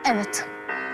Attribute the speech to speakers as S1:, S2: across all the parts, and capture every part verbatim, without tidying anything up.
S1: Evet.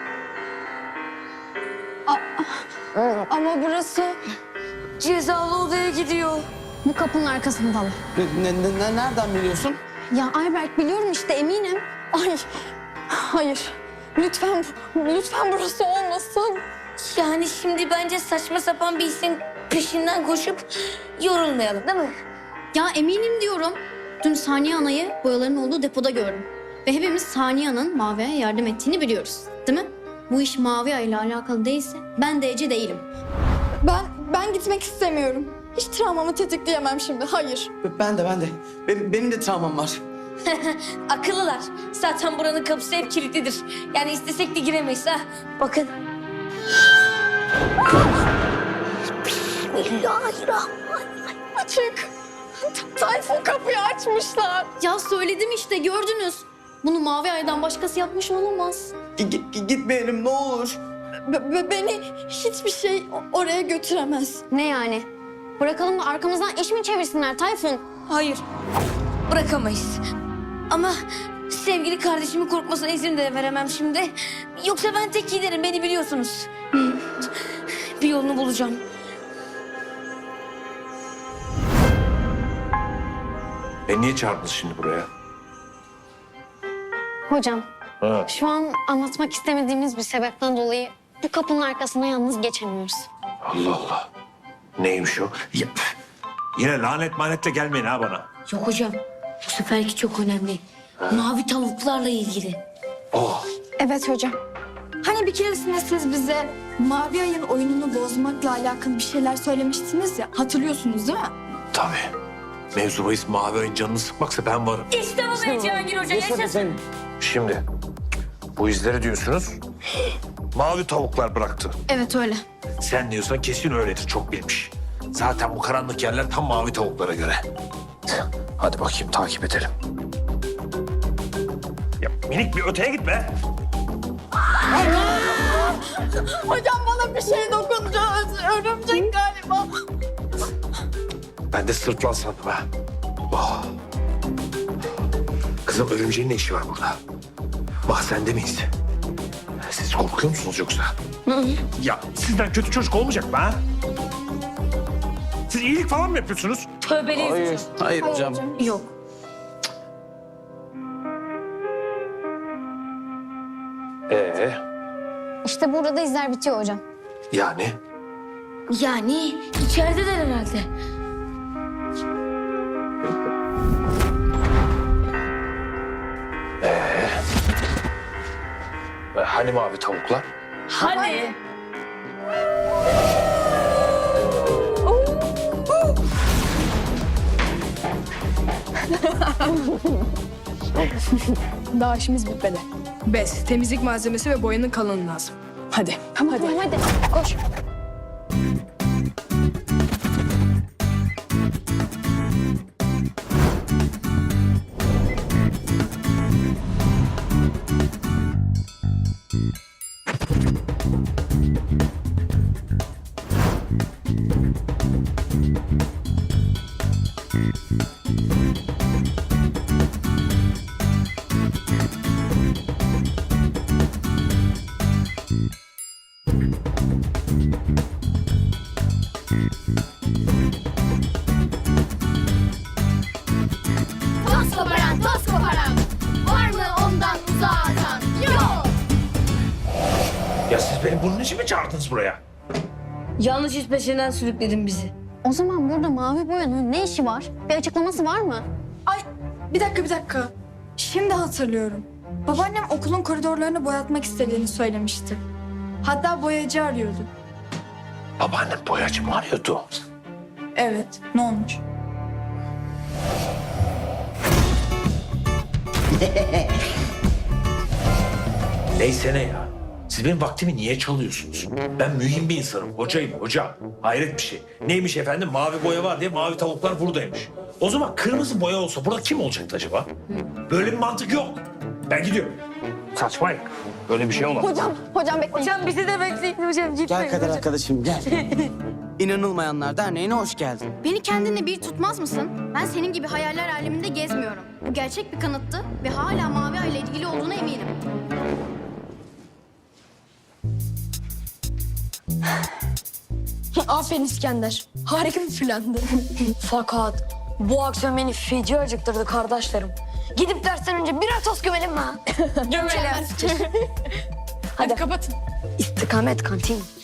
S1: A ama burası
S2: Cezalı odaya gidiyor.
S1: bu kapının arkasındalar.
S3: Ne, ne, ne, nereden biliyorsun?
S1: Ya Ayberk biliyorum işte eminim. Ay hayır. Lütfen lütfen burası olmasın.
S2: Yani şimdi bence saçma sapan bir isim peşinden koşup yorulmayalım değil mi?
S1: Ya eminim diyorum. Dün Saniye Ana'yı boyaların olduğu depoda gördüm. Ve hepimiz Saniye Ana'nın Mavi'ye yardım ettiğini biliyoruz. Değil mi? Bu iş Mavi Ay ile alakalı değilse ben de Ece değilim.
S4: Ben ben gitmek istemiyorum. Hiç travmamı tetikleyemem şimdi. Hayır.
S3: Ben de ben de. Benim, benim de travmam var.
S2: Akıllılar. Zaten buranın kapısı hep kilitlidir. Yani istesek de giremeyiz ha. Bakın. Bismillahirrahmanirrahim.
S4: Açık. Tayfun kapıyı açmışlar.
S1: Ya söyledim işte gördünüz. Bunu Mavi Ay'dan başkası yapmış olamaz.
S3: G- g- gitmeyelim ne olur.
S4: Be- be- beni hiçbir şey o- oraya götüremez.
S1: Ne yani? Bırakalım da arkamızdan iş mi çevirsinler Tayfun?
S2: Hayır. Bırakamayız. Ama sevgili kardeşimin korkmasına izin de veremem şimdi. Yoksa ben tek giderim. Beni biliyorsunuz. Bir yolunu bulacağım.
S5: Beni niye çağırdınız şimdi buraya?
S1: Hocam
S5: Ha.
S1: şu an anlatmak istemediğimiz bir sebepten dolayı bu kapının arkasına yalnız geçemiyoruz.
S5: Allah Allah. Neymiş o? Ya, yine lanet manetle gelmeyin ha bana.
S2: Yok hocam. Bu seferki çok önemli. Mavi tavuklarla ilgili.
S5: Oh.
S4: Evet hocam. Hani bir keresinde siz bize Mavi Ay'ın oyununu bozmakla alakalı bir şeyler söylemiştiniz ya. Hatırlıyorsunuz değil mi?
S5: Tabii. Mevzu bahis Mavi Ay'ın canını sıkmaksa ben varım.
S2: İşte bu be Cihangir Hoca. Yaşasın.
S5: Şimdi bu izleri diyorsunuz. Mavi tavuklar bıraktı.
S1: Evet öyle.
S5: Sen diyorsan kesin öyledir. Çok bilmiş. Zaten bu karanlık yerler tam mavi tavuklara göre. Hadi bakayım takip edelim. Ya minik bir öteye gitme.
S4: Hocam bana bir şey dokundu. Örümcek galiba.
S5: Ben de sırtlan sandım ha. Oh. Kızım örümceğin ne işi var burada? Mahzende miyiz? Siz korkuyor musunuz yoksa? Ya sizden kötü çocuk olmayacak mı ha? Siz iyilik falan mı yapıyorsunuz?
S2: Tövbeliyiz
S3: Hayır,
S2: hocam.
S3: hayır hocam.
S2: Yok.
S5: Ee,
S1: İşte burada da izler bitiyor hocam.
S5: yani?
S2: Yani içerideler herhalde.
S5: E, Hani mavi tavuklar?
S2: Hani?
S6: Daha işimiz bitmedi. Bez, temizlik malzemesi ve boyanın kalını lazım. Hadi.
S1: Tamam hadi. hadi. Koş.
S7: Toz koparan, toz koparan. Var mı ondan uzağa atan? Yok.
S5: Ya siz beni bunun için mi çağırdınız buraya?
S2: Yanlış iş peşinden sürükledin bizi.
S1: O zaman burada mavi boyanın ne işi var? Bir açıklaması var mı?
S4: Ay bir dakika bir dakika. Şimdi hatırlıyorum. Babaannem okulun koridorlarını boyatmak istediğini söylemişti. Hatta boyacı arıyordu.
S5: Babaannem boyacı mı arıyordu?
S4: Evet, ne olmuş?
S5: Neyse ne ya. Siz benim vaktimi niye çalıyorsunuz? Ben mühim bir insanım. Hocayım hoca. Hayret bir şey. Neymiş efendim mavi boya var diye mavi tavuklar buradaymış. O zaman kırmızı boya olsa burada kim olacaktı acaba? Böyle bir mantık yok. Ben gidiyorum. Saçmayın. Böyle bir şey olmaz.
S4: Hocam, hocam bekleyin.
S2: Hocam bizi de bekleyin hocam. Gitmeyin
S3: Gel kader
S2: hocam.
S3: arkadaşım gel. İnanılmayanlar Derneği'ne hoş geldin.
S1: Beni kendine bir tutmaz mısın? Ben senin gibi hayaller aleminde gezmiyorum. Bu gerçek bir kanıttı ve hala Mavi Ay ile ilgili olduğuna eminim.
S6: Aferin İskender. Harika bir plandı.
S2: Fakat bu akşam beni feci acıktırdı kardeşlerim. Gidip dersten önce birer tost gömelim mi? ha?
S6: Gömelim. Hadi kapatın.
S2: İstikamet kantin.